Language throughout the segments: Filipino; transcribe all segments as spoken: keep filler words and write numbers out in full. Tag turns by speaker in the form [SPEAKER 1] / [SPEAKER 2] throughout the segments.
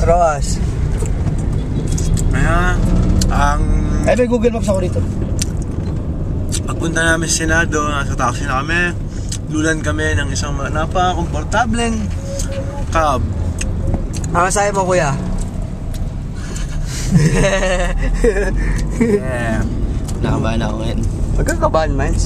[SPEAKER 1] Roas.
[SPEAKER 2] Kaya, ang...
[SPEAKER 1] Ay, may Google Maps ako dito.
[SPEAKER 2] Pagpunta namin sa Senado, nasa taxi na kami. Lulan kami ng isang napaka-komportableng cab.
[SPEAKER 1] Ang sayo mo, kuya?
[SPEAKER 2] Yeah.
[SPEAKER 3] Nakabahan ako ngayon.
[SPEAKER 1] Huwag kang kabahan, Miles.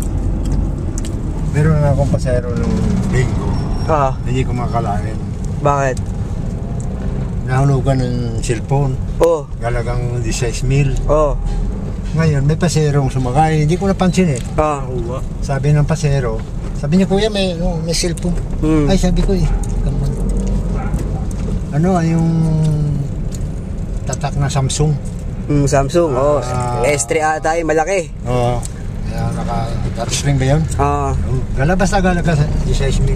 [SPEAKER 4] Meron na akong pasero nung linggo.
[SPEAKER 1] Ah,
[SPEAKER 4] Hindi ko makakalain.
[SPEAKER 1] bakit?
[SPEAKER 4] Nahunugan ng cellphone.
[SPEAKER 1] Oh,
[SPEAKER 4] Galagang sixteen mil.
[SPEAKER 1] oh,
[SPEAKER 4] Ngayon, may paserong sumakay. Hindi ko napansin eh.
[SPEAKER 1] ah.
[SPEAKER 4] Sabi ng pasero, sabi niya, kuya, may, no, may cellphone.
[SPEAKER 1] Hmm.
[SPEAKER 4] Ay, sabi ko eh. come on. Ano, ay yung tatak na Samsung.
[SPEAKER 1] Mm, Samsung, oh.
[SPEAKER 4] Ah.
[SPEAKER 1] S three ata yung malaki.
[SPEAKER 4] Oo. Kaya naka-touchscreen ba yun?
[SPEAKER 1] Ah,
[SPEAKER 4] Oh, galabas na galaga sa sixteen mil.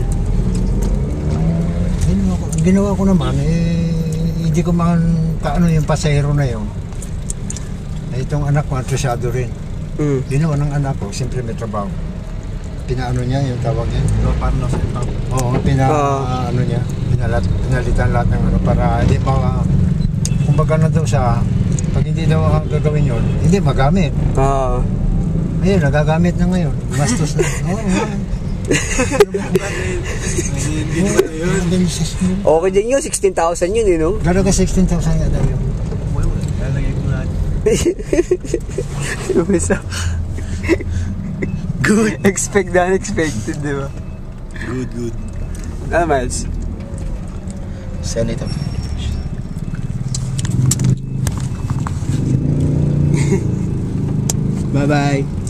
[SPEAKER 4] Ginawa ko, ginawa ko naman, eh, hindi ko man kaano yung pasahero na yun. Eh, itong anak ko, antusyado rin.
[SPEAKER 1] mm.
[SPEAKER 4] Ginawa ng anak ko, siyempre may trabaho. Pinaano niya, yung tawag niya.
[SPEAKER 2] No, parang nasa ito.
[SPEAKER 4] Oo, pina,
[SPEAKER 1] Ah.
[SPEAKER 4] ano niya, pinalat, pinalitan lahat ng ano, para hindi pa, kumbaga na daw siya, pag hindi daw gagawin yun, hindi magamit.
[SPEAKER 1] Ah.
[SPEAKER 4] Ayun, nagagamit na ngayon. Mastos na. Oo, oo.
[SPEAKER 2] Hindi ba yun?
[SPEAKER 1] Okay din yun, sixteen thousand yun, eh, no?
[SPEAKER 4] Gano'n ka sixteen thousand yata yun.
[SPEAKER 2] Lalagay ko natin.
[SPEAKER 1] Lumisa. Good. Expect the unexpected, di ba?
[SPEAKER 2] Good, good.
[SPEAKER 1] Ah, Miles?
[SPEAKER 3] Saan ito?
[SPEAKER 1] Bye-bye.